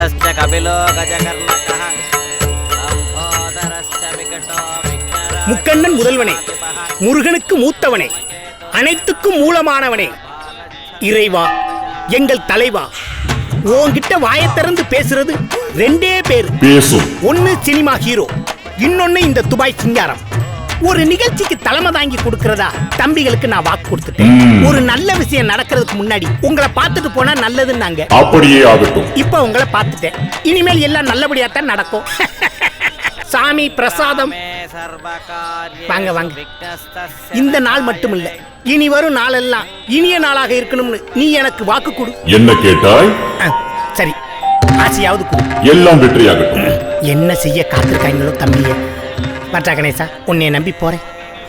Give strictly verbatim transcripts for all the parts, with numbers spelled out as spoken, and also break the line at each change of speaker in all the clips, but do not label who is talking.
முக்கண்ணன் முதல்வனே, முருகனுக்கு மூத்தவனே, அனைத்துக்கும் மூலமானவனே, இறைவா எங்கள் தலைவா, உன்கிட்ட வாயை திறந்து பேசுறது ரெண்டே பேரு. ஒன்னு சினிமா ஹீரோ, இன்னொன்னு இந்த துபாய் சிங்காரம். ஒரு நிகழ்ச்சிக்கு தலைமை தாங்கி கொடுக்கறதா தம்பிகளுக்கு நான் வாக்கு கொடுத்துட்டேன். ஒரு நல்ல விஷயம் நடக்கிறதுக்கு முன்னாடி உங்களை பார்த்துட்டு போனா நல்லதுன்னாங்க.
அப்படியே ஆகட்டும்.
இப்ப உங்களை பார்த்துட்டேன், இனிமேல் எல்லாம் நல்லபடியா தான் நடக்கும். சாமி பிரசாதம். வாங்க வாங்க. இந்த நாள் மட்டும் இல்ல, இனி வரும் நாளெல்லாம் இனிய நாளாக இருக்கணும்னு நீ எனக்கு வாக்கு கொடு.
என்ன கேட்டாய்?
சரி, ஆசையாவது கொடு.
எல்லாம் வெற்றியாகட்டும்.
என்ன செய்ய காத்திருக்காங்களோ தம்பியே. மற்றா கணேசா, உன்னை நம்பி போறேன்.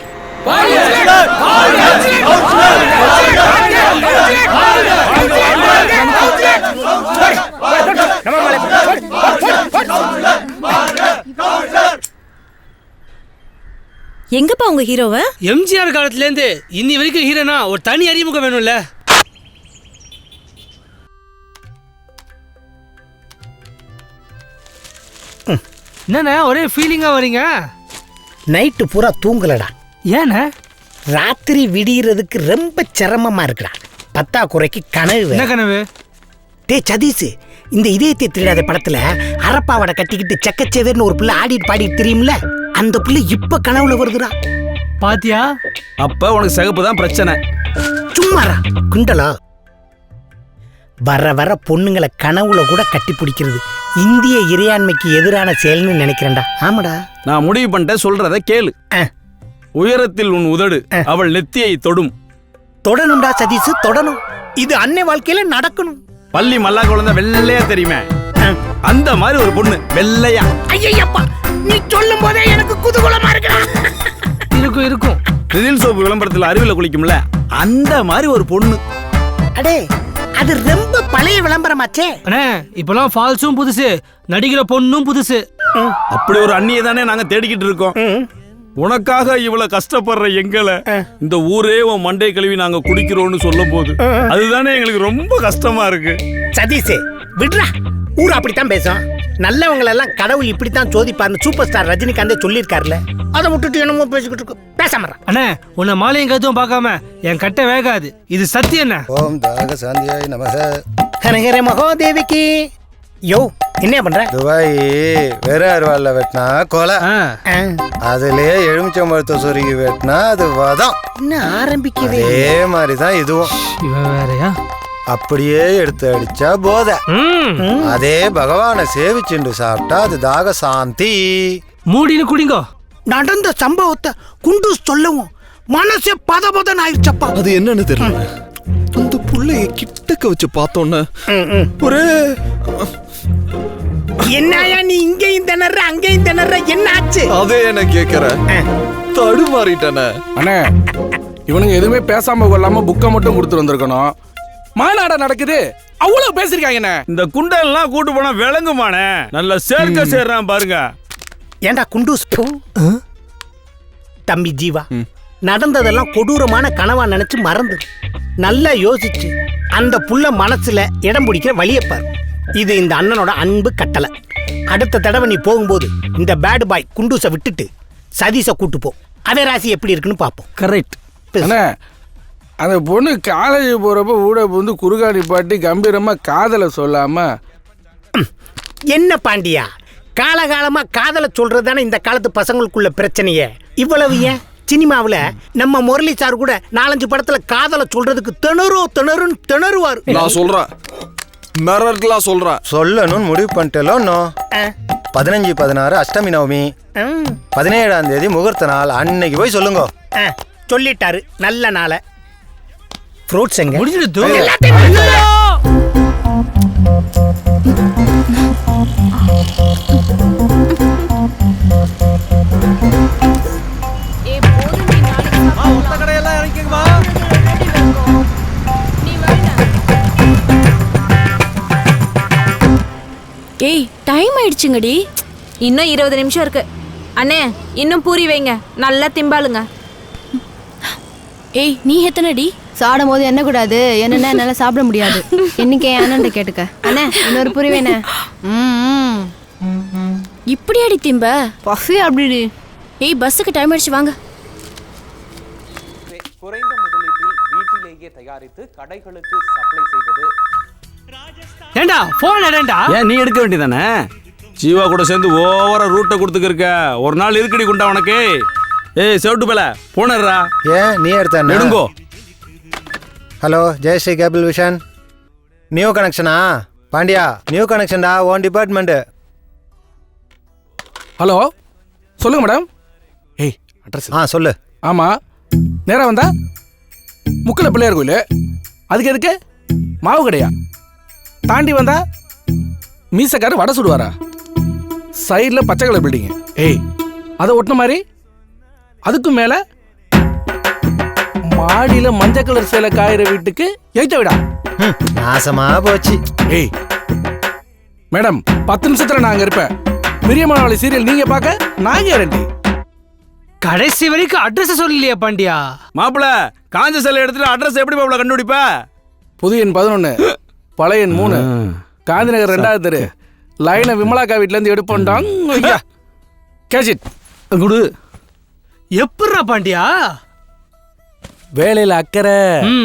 எங்கப்பா உங்க ஹீரோவ?
எம்ஜிஆர் காலத்துல இருந்து இன்னி வரைக்கும் ஹீரோனா ஒரு தனி அறிமுகம் வேணும்ல. என்னண்ணா ஒரே ஃபீலிங்கா வரீங்க?
நைட்டு பூரா தூங்கலடா.
ஏண்ணா?
ராத்திரி விடியறதுக்கு ரொம்ப சிரமமா இருக்குடா. பத்தா குறைக்கு கனவு.
என்ன கனவு?
டே சதீஷ், இந்த இதயத்தை திருடாத படத்துல அரப்பாவடை கட்டிக்கிட்டு செக்கச்சேவேர்னு ஒரு பிள்ளை ஆடிட்டு பாடிட்டு தெரியும்ல, அந்த பிள்ளை இப்ப கனவுல வருதுடா.
பாத்தியா?
அப்ப உனக்கு சிகப்பு தான் பிரச்சனை.
சும்மாரா குண்டலா. வர வர பொண்ணுங்களை கனவுல கூட கட்டி பிடிக்கிறது இந்திய இறையாண்மைக்கு எதிரான செயல்னு நினைக்கிறேன்டா. ஆமாடா,
நான் முடிவு பண்ணிட்டேன், சொல்றத கேளு. உயரத்தில் உன் உதடு அவள் நெத்தியை தொடும்.
தொடணும்டா சதீஷ், தொடணும். இது அன்னை வாழ்க்கையில நடக்கணும்.
பள்ளி மல்லா குழந்தை வெள்ளையா தெரியுமே, அந்த மாதிரி ஒரு பொண்ணு வெள்ளையா.
ஐயப்பா, நீ சொல்லும் போதே எனக்கு குதூகலமா இருக்குடா.
இருக்கும் இருக்கும்.
ரிதில் சோப்பு விளம்பரத்துல அருவில குளிக்கும்ல, அந்த மாதிரி ஒரு பொண்ணு.
அடே, அது ரொம்ப பழைய விளம்பரமாச்சே.
அண்ணே, இப்பெல்லாம் ஃபால்ஸும் புதுசு, நடிக்கிற பொண்ணும் புதுசு.
அப்படி ஒரு அண்ணியை தானே நாங்க தேடிக்கிட்டு இருக்கோம். உனக்காக இவ்வளவு கஷ்டப்படுற எங்களை இந்த ஊரே உன் மண்டை கழுவி நாங்க குடிக்கிறோம்னு சொல்லும் போது அதுதானே எங்களுக்கு ரொம்ப கஷ்டமா இருக்கு.
சதீஷே விடுறா, ஊர் அப்படித்தான் பேசும். நல்லவங்க எல்லாம் கடவுள் இப்படித்தான் சோதிப்பாருன்னு சூப்பர் ஸ்டார் ரஜினிகாந்தே சொல்லியிருக்காருல. அதை விட்டுட்டு என்னமோ பேசிக்கிட்டு இருக்கு. பேசாம
அண்ணே, உன்னை மாலையும் கருத்தும் பார்க்காம என் கட்டை வேகாது, இது சத்தியம். என்ன?
ஓம் தாக சாந்தியாய் நமக.
ஹரஹர மகாதேவிக்கு. யோ, என்ன பண்ற?
துபாய் வேற அருவாள்ல வெட்டினா கொலை, அதுலயே எலுமிச்சம்பழத்தை சொருகி வெட்டினா அது வதம்.
என்ன ஆரம்பிக்குது?
அதே மாதிரிதான் இதுவும்.
இவன் வேறயா?
அப்படியே எடுத்து அடிச்சா போத. அதே பகவானை சேவிச்சுண்டு சாப்பிட்டா அது தாக சாந்தி.
மூடினு குடிங்கோ.
நடந்த சம்பவத்தை குண்டூஸ் சொல்லவும் மனசே பத பதன் ஆயிடுச்சப்பா.
அது என்னன்னு தெரியல, அந்த புள்ளைய கிட்டக்க வச்சு பார்த்தோன்னு ஒரே.
என்னயா நீ இங்கேயும் திணற அங்கேயும் திணற, என்ன ஆச்சு?
அதே என்ன கேக்குற, தடுமாறிட்டன.
அண்ணே, இவனுங்க எதுவுமே பேசாம கொள்ளாம புக்கை மட்டும் கொடுத்து வந்திருக்கணும். மாநாட நடக்குது, அவ்வளவு பேசிருக்காங்க.
இந்த குண்டெல்லாம் கூட்டு போனா விளங்குமானே, நல்ல சேர்க்க சேர்றான் பாருங்க.
ஏண்டா குண்டூஸ், தம்பி ஜீவா, நடந்ததெல்லாம் கொடூரமான கனவா நினைச்சு மறந்து நல்லா யோசிச்சு அந்த புள்ள மனசுல இடம் பிடிக்கிற வழியப்பார். இது இந்த அண்ணனோட அன்பு கட்டளை. அடுத்த தடவை நீ போகும்போது இந்த பேட் பாய் குண்டூஸை விட்டுட்டு சதீஷை கூட்டு போ. அவன் ராசி எப்படி இருக்குன்னு பார்ப்போம்.
கரெக்ட். அந்த பொண்ணு காலேஜ் போறப்ப ஊட வந்து குறுகாடி பாட்டி கம்பீரமா காதலை சொல்லாம.
என்ன பாண்டியா, காலகாலமா காதலை சொல்றது தானே இந்த காலத்து பசங்களுக்குள்ள பிரச்சனையே. இவ்வளவு ஏன் சினிமாவில் நம்ம முரளி சார் கூட நாலஞ்சு படத்துல காதலை சொல்றதுக்கு திணறோ திணறுன்னு திணறுவார்.
நான் சொல்றேன், மிரட்டலா சொல்றேன்.
சொல்லணும்னு முடிவு பண்ணிட்டேலோ. பதினஞ்சு பதினாறு அஷ்டமி நவமி, பதினேழாம் தேதி முகூர்த்த நாள், அன்னைக்கு போய் சொல்லுங்க.
சொல்லிட்டாரு, நல்ல நாளை. ஃப்ரூட்ஸ் எங்க?
முடிஞ்சிடுது.
ஏய், டைம் ஆயிடுச்சுங்கடி. இன்னும் இருபது நிமிஷம் இருக்கு. அண்ணே, இன்னும் பூரி வைங்க, நல்லா திம்பாளுங்க. ஏய், நீ எத்தனைடி?
சாடும் போது என்ன கூடாது என்னன்னா என்னால சாப்பிட முடியாது. இன்னைக்கு என் அண்ணன்ட்ட கேட்டுக்க. அண்ணே இன்னொரு புரிவேண்ணே. ம்
இப்படி அடி திம்ப
பஃபி அப்படி.
ஏய் பஸ்ஸுக்கு டைம் ஆயிடுச்சு வாங்க.
குறைந்த முதலீட்டில் வீட்டிலேயே தயாரித்து கடைகளுக்கு சப்ளை செய்வது.
ஏண்டா போன் எடுடா.
ஏன் நீ எடுக்க வேண்டியதானே? ஜீவா கூட சேர்ந்து ஓவரா ரூட்டை கொடுத்துக்கிருக்க. ஒரு நாள் இருக்கடி குண்டா உனக்கு. ஏய் செவட்டு பேல போனர்றா.
ஏன் நீ எடுத்த
நெடுங்கோ.
Hello Jayashree cable vision. New கனெக்ஷனா? பாண்டியா நியூ கனெக்ஷன்டா ஓன் டிபார்ட்மெண்ட்.
ஹலோ சொல்லுங்க மேடம். ஏய் அட்ரஸ்.
ஆ சொல்லு.
ஆமா நேரா வந்தா முக்கல பிள்ளையார் கோயில். அதுக்கு எதுக்கு மாவு கடையா? தாண்டி வந்தா மீசக்காரு வடை சுடுவாரா? சைடில் பச்சை கலர் பில்டிங். ஏய் அதை ஒட்டின மாதிரி அதுக்கும் மேல மாடியில மஞ்சள் கலர் சேலை காயிற வீட்டுக்கு எய்த்த விடா.
நாசமா போச்சு.
ஏய் மேடம் பத்து நிமிஷத்துல நான் அங்க இருப்பேன். பிரியமானவளை சீரியல் நீங்க பார்க்க நான் கேரண்டி.
கடைசி வரைக்கும் அட்ரஸ் சொல்லலையா பாண்டியா?
மாப்பிள காஞ்ச செல்ல எடுத்துட்டு அட்ரஸ் எப்படி மாப்பிள கண்டுபிடிப்ப?
புது எண் பதினொன்னு பழைய எண் மூணு காந்தி நகர் ரெண்டாவது தெரு லைனை விமலாக்கா வீட்ல இருந்து எடுப்போம்டாங்க. கேட்சிட் குடு.
எப்பட்றா பாண்டியா?
வேலையில அக்கறை.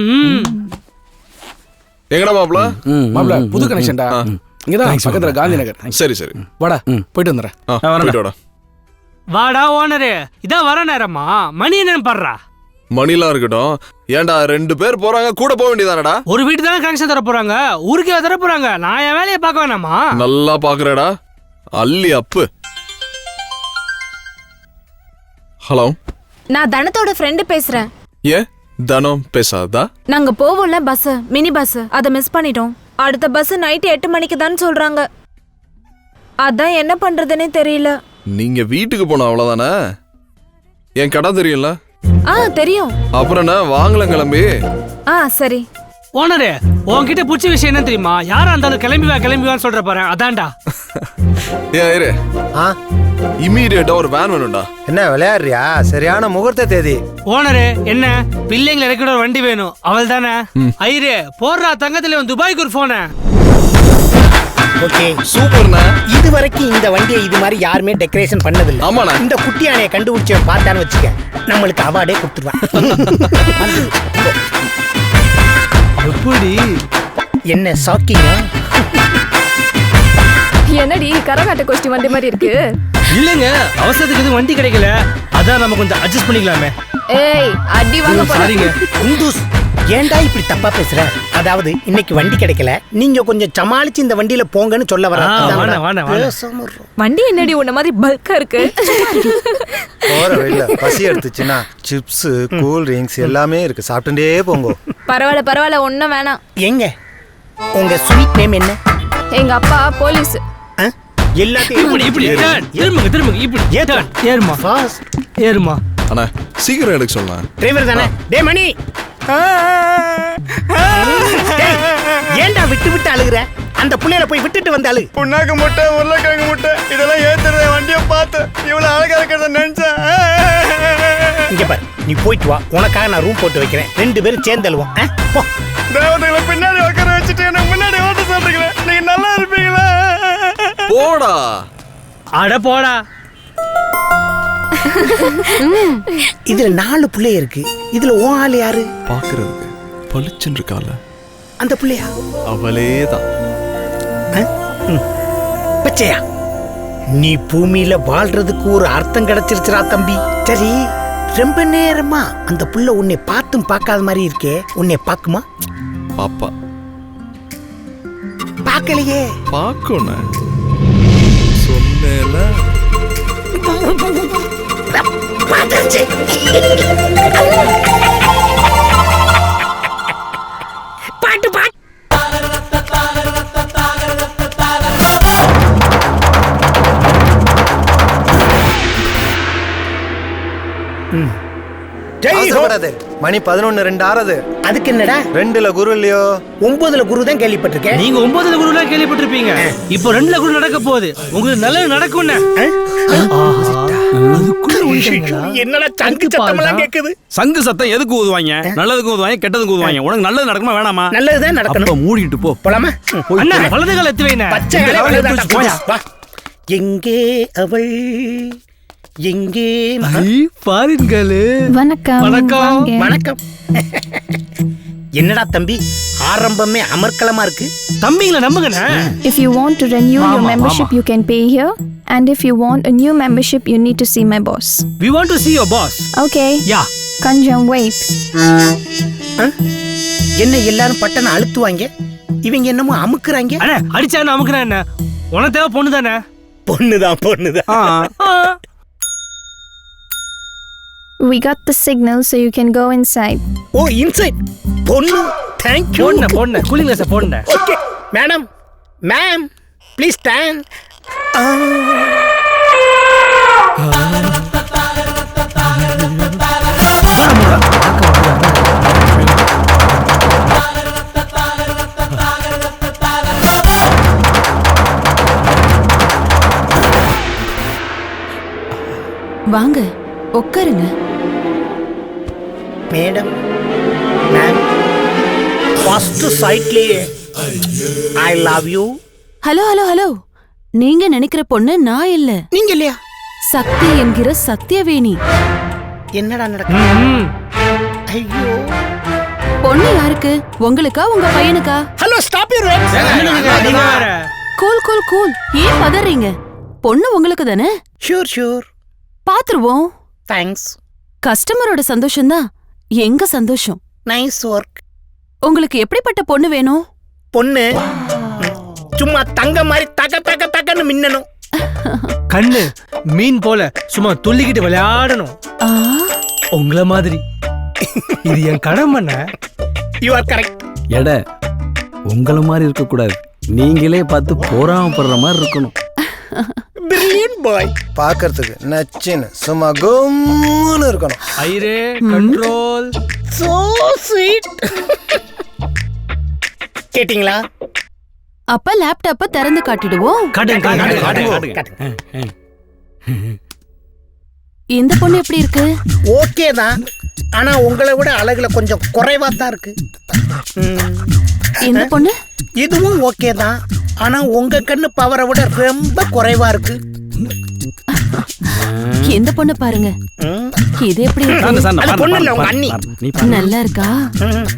எங்கடா மாப்ள?
மாப்ள புது கனெக்ஷன்டா. இங்கதான் பக்கத்துல காந்தி நகர்.
சரி சரி
வாடா போயிட்டு வந்துடுறேன்.
போயிட்டு வாடா.
வாடா ஓனரு. இதான் வர நேரமா? மணி என்னன்னு பாடுறா.
மணிலாம் இருக்கட்டும். ஏன்டா ரெண்டு பேர் போறாங்க கூட போக வேண்டியதானடா?
ஒரு வீட்டு தானே கனெக்ஷன் தர போறாங்க. ஊருக்கே தர போறாங்க. நான் என் வேலையை பார்க்க வேணாமா?
நல்லா பாக்குறடா அள்ளி அப்பு. ஹலோ
நான் தனத்தோட ஃப்ரெண்டு பேசுறேன்.
ஏ தனம் பேசாதா?
நாங்க போவோம்ல பஸ், மினி பஸ், அதை மிஸ் பண்ணிட்டோம். அடுத்த பஸ் நைட்டு எட்டு மணிக்கு தான் சொல்றாங்க. அதான் என்ன பண்றதுன்னே தெரியல.
நீங்க வீட்டுக்கு போன அவ்வளவுதானே? என் கடை தெரியும்ல?
ஆ தெரியும்.
அப்புறம் என்ன வாங்கல கிளம்பி.
ஆ சரி.
ஓனரு உன்கிட்ட பிடிச்ச விஷயம் என்ன தெரியுமா? யாரா இருந்தாலும் கிளம்பி வா கிளம்பி வான்னு சொல்ற பாரு. அதான்டா.
ஏன் இரு.
ஆ
இமீடியட்டா ஒரு வேன் வேணும்டா.
என்ன விளையாடுறியா? சரியான முகூர்த்த தேதி.
ஓனரு என்ன பிள்ளைங்களை இறக்கிட ஒரு வண்டி வேணும். அவள் தானே ஐரே போடுறா தங்கத்துல துபாய்க்கு ஒரு போன.
ஓகே
சூப்பர்ண்ணா.
இது வரைக்கும் இந்த வண்டியை இது மாதிரி யாருமே டெக்கரேஷன் பண்ணதில்லை.
ஆமாண்ணா.
இந்த குட்டி யானையை கண்டுபிடிச்சவன் பார்த்தான்னு வச்சுக்க, நம்மளுக்கு அவார்டே கொடுத்துருவான்.
எப்படி
என்ன ஷாக்கிங்கா?
என்னடி கரகாட்ட கோஷ்டி வண்டி மாதிரி இருக்கு?
இல்லங்க அவசரத்துக்கு எதுவும் வண்டி கிடைக்கல. அதான் நம்ம கொஞ்சம் அட்ஜஸ்ட் பண்ணிக்கலாமே.
ஏய் அடி வாங்க போறீங்க.
சாரிங்க
குண்டூஸ் ஏன்டா இப்படி தப்பா பேசுற? அதாவது இன்னைக்கு வண்டி கிடைக்கல, நீங்க கொஞ்சம் சமாளிச்சு இந்த வண்டியில போங்கன்னு சொல்ல வர.
வண்டி என்னடி உன்ன மாதிரி பல்கா இருக்கு?
போற வழியில பசி எடுத்துச்சுன்னா சிப்ஸ் கூல் ட்ரிங்க்ஸ் எல்லாமே இருக்கு. சாப்பிட்டுட்டே போங்க.
பரவாயில்ல பரவாயில்ல ஒன்னும் வேணாம்.
எங்க உங்க ஸ்வீட் நேம் என்ன?
எங்க அப்பா போலீஸ்.
எல்லாத்தையும்
இப்படி இப்படி ஏறுமுங்க திரும்புங்க. இப்படி ஏறுமா ஏறுமா
ஃபாஸ்ட்
ஏறுமா.
அண்ணா சீக்கிரம் எடுக்க சொல்லலாம்.
டிரைவர் தானே? டே மணி ஏன்டா விட்டு விட்டு அழுகுற? அந்த புள்ளையில போய் விட்டுட்டு வந்து அழு.
புண்ணாக்கு முட்டை உருளைக்கிழங்கு முட்டை இதெல்லாம் ஏத்துறத வண்டியை பார்த்து இவ்வளவு அழகா இருக்கிறத நினைச்சேன்.
இங்க பாரு நீ போயிட்டு வா, உனக்காக நான் ரூம் போட்டு வைக்கிறேன். ரெண்டு பேரும் சேர்ந்து அழுவோம். போ.
தேவதைகளை பின்னாடி உட்கார வச்சுட்டு எனக்கு முன்னாடி ஓட்ட சொல்றீங்களே, நீங்க நல்லா இருப்பீங்களா?
போடா.
அட போடா.
இதுல நாலு பிள்ளைய இருக்கு. இதுல ஓ ஆள் யாரு?
பாக்குறதுக்கு பளிச்சுன்னு இருக்கால
அந்த பிள்ளையா?
அவளேதான்.
பச்சையா நீ பூமியில வாழ்றதுக்கு ஒரு அர்த்தம் கிடைச்சிருச்சுரா தம்பி. சரி ரொம்ப நேரமா அந்த புள்ள உன்னை பார்த்தும் பார்க்காத மாதிரி இருக்கே, உன்னை பாக்குமா?
பாப்பா
பார்க்கலையே.
பாக்கணும் சொன்னேல.
பார்த்துருச்சு. பாட்டு பாட்டு
அவசரப்படாதே. மணி பதினொன்னு ரெண்டு ஆறது.
அதுக்கு என்னடா?
ரெண்டுல குரு இல்லையோ?
ஒன்பதுல குரு தான் கேள்விப்பட்டிருக்கேன்.
நீங்க ஒன்பதுல குருலாம் கேள்விப்பட்டிருப்பீங்க. இப்போ ரெண்டுல குரு நடக்க போகுது. உங்களுக்கு நல்லது நடக்கும்னு.
என்னடா சங்கு சத்தமெல்லாம் கேக்குது?
சங்கு சத்தம் எதுக்கு ஊதுவாங்க? நல்லதுக்கு ஊதுவாங்க, கெட்டதுக்கு ஊதுவாங்க. உனக்கு நல்லது நடக்குமா வேணாமா?
நல்லதுதான்
அப்ப
நடக்கணும்.
மூடிட்டு போ.
போலாமா?
போய்
அண்ணா வலது கால எத்து வைண்ணே.
பச்சை
இந்த
இலை
காலை எடுத்து
வலதுதான்
வச்சு போயா.
வா. எங்கே அவள் எங்கே ம-
பாருங்களே.
வணக்கம்
வணக்கம்.
வாங்க.
வணக்கம். என்னடா தம்பி ஆரம்பமே அமர்க்கலமா இருக்கு.
தம்பிங்களை நம்புங்கண்ணே.
If you want to renew your
Mama,
membership,
mama.
you can pay here. And if you want a new membership, you need to see my boss.
We want to see your boss.
Okay,
yeah.
Kanjam, wait.
என்ன எல்லாரும் பட்டனை அழுத்துவாங்க, இவங்க என்னமோ அமுக்குறாங்க.
அண்ணே அடிச்சான்னு அமுக்குறேன் என்ன. உனக்கு தேவை பொண்ணு தானே.
பொண்ணுதான் பொண்ணுதான்.
ஆ.
We got the signal, so you can go inside.
ஓ இன்சைட் பொண்ணு. Thank you.
பொண்ணு பொண்ணு கூலிங் கிளாஸ் பொண்ணு.
Okay madam ma'am please stand.
வாங்க உட்காருங்க.
மேடம் மேம் ஃபர்ஸ்ட் சைட்லயே I love you.
Hello hello hello, நீங்க நினைக்கிற பொண்ணு நான் இல்ல,
நீங்க இல்லையா?
சக்தி என்கிற சத்தியவேணி.
என்னடா நடக்குது?
ம்.
ஐயோ.
பொண்ணு யாருக்கு? உங்களுக்கா உங்க பையனுக்கா?
Hello stop your words.
நீங்க வேற.
கூல் கூல் கூல், ஏன் பதறீங்க? பொண்ணு உங்களுக்கு தானே,
ஷூர் ஷூர்.
பாத்துருவோம்.
தேங்க்ஸ்.
கஸ்டமரோட சந்தோஷம் தான் எங்க சந்தோஷம்.
Nice work.
உங்களுக்கு எப்படிப்பட்ட பொண்ணு வேணும்?
பொண்ணு சும்மா தங்க மாதிரி தக தக தகன்னு மின்னணும்.
கண்ணு மீன் போல சும்மா துள்ளிக்கிட்டு விளையாடணும்.
ஆ,
உங்கள மாதிரி. இது என் கடமைண்ணே.
You are correct.
எட உங்கள மாதிரி இருக்க கூடாது. நீங்களே பார்த்து போராமப்படுற மாதிரி இருக்கணும்.
Brilliant boy.
பார்க்கறதுக்கு நச்சின்னு சும்மா கும்முன்னு இருக்கணும்.
ஐரே கண்ட்ரோல்.
So sweet. கேட்டிங்களா?
அப்ப லேப்டாப்ப திறந்து காட்டிடுவோம்.
காட்டுங்க காட்டுங்க காட்டுங்க
காட்டுங்க.
இந்த பொண்ணு எப்படி இருக்கு?
ஓகே தான், ஆனா உங்களை விட அழகுல கொஞ்சம் குறைவா தான் இருக்கு. ம்.
இந்த பொண்ணு
இதுவும் ஓகே தான், ஆனா உங்க கண்ணு பவரை விட ரொம்ப குறைவா இருக்கு.
இந்த பொண்ணு பாருங்க.
ம்.
இது எப்படி இருக்கு?
சாந்த, சாந்த,
அது
பாரு,
பொண்ணு
பாரு,
இல்ல, உங்க
பாரு,
அண்ணி.
பாரு, நீ பாரு.
நல்லா இருக்கா?
ம்.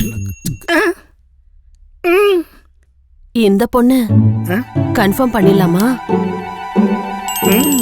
ம்.
இந்த பொண்ணு
ம்.
கன்ஃபார்ம் பண்ணிடலாமா?
ம்.